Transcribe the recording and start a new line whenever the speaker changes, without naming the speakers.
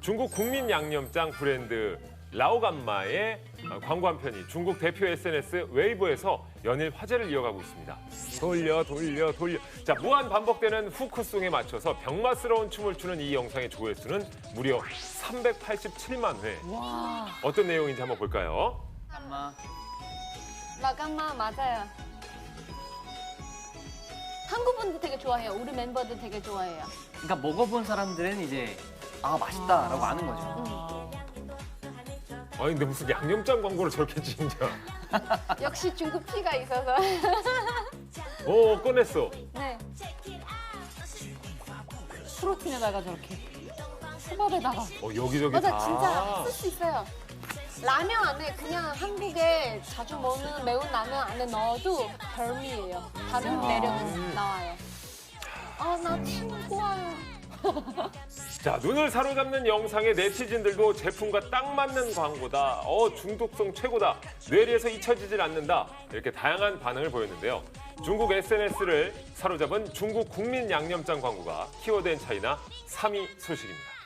중국 국민 양념장 브랜드 라오감마의 광고 한 편이 중국 대표 SNS 웨이보에서 연일 화제를 이어가고 있습니다. 돌려. 자, 무한 반복되는 후크송에 맞춰서 병맛스러운 춤을 추는 이 영상의 조회수는 무려 387만 회.
와.
어떤 내용인지 한번 볼까요?
라감마 맞아요. 한국 분들 되게 좋아해요. 우리 멤버들 되게 좋아해요.
그러니까 먹어본 사람들은 이제 아 맛있다라고 아는 거죠.
아니 근데 무슨 양념장 광고를 저렇게 찍냐?
역시 중국 피가 있어서.
오, 꺼냈어.
네. 프로틴에다가 저렇게. 초밥에다가.
여기저기
맞아,
다.
진짜 쓸 수 있어요. 라면 안에 그냥 한국에 자주 먹는 매운 라면 안에 넣어도 별미예요. 다른 매력은 나와요. 아, 나 침 좋아요.
자, 눈을 사로잡는 영상에 네티즌들도 제품과 딱 맞는 광고다. 중독성 최고다. 뇌리에서 잊혀지질 않는다. 이렇게 다양한 반응을 보였는데요. 중국 SNS를 사로잡은 중국 국민 양념장 광고가 키워드 앤 차이나 3위 소식입니다.